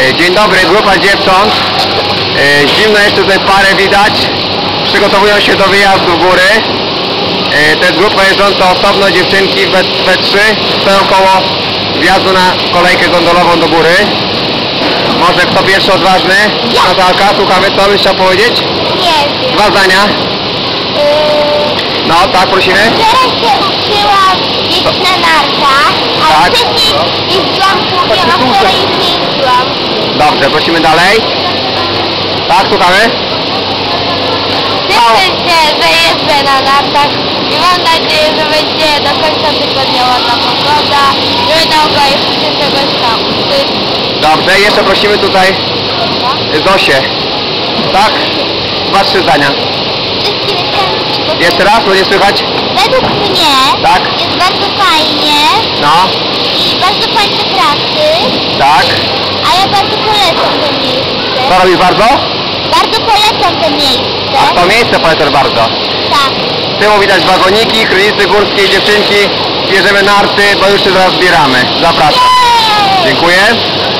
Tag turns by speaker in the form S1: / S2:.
S1: Dzień dobry, grupa dziewcząt. Zimno jeszcze tutaj parę widać. Przygotowują się do wyjazdu w góry. To jest grupa jeżdżąca osobno, dziewczynki we trzy stoją koło wjazdu na kolejkę gondolową do góry. Może kto pierwszy odważny? Natalka, słuchamy, co byś chciał powiedzieć?
S2: Nie wiem.
S1: Dwa zdania. No tak, prosimy.
S2: Teraz się uczyłam jeździć na nartach, a
S1: Tak.
S2: wcześniej jeździłam kółkiem, a wczoraj już nie jeździłam.
S1: Dobrze, prosimy dalej. Tak, słuchamy.
S2: Cieszę się, że jeżdżę na nartach i mam nadzieję, że będzie do końca tygodnia ładna pogoda, że będę mogła jeszcze się czegoś nauczyć.
S1: Dobrze, jeszcze prosimy tutaj Zosię. Tak? Dwa, trzy zdania.
S2: Wszystkim chciałam
S1: Jeszcze raz, bo nie słychać?
S2: Według mnie
S1: Tak.
S2: jest bardzo fajnie
S1: No,
S2: i bardzo fajne trasy,
S1: tak.
S2: a ja bardzo polecam to miejsce.
S1: Co robisz bardzo?
S2: Bardzo polecam to miejsce.
S1: A to miejsce polecasz bardzo.
S2: Tak.
S1: Z tyłu widać wagoniki, chrynicy górskie, dziewczynki. Bierzemy narty, bo już się zaraz zbieramy. Zapraszam.
S2: Jej!
S1: Dziękuję.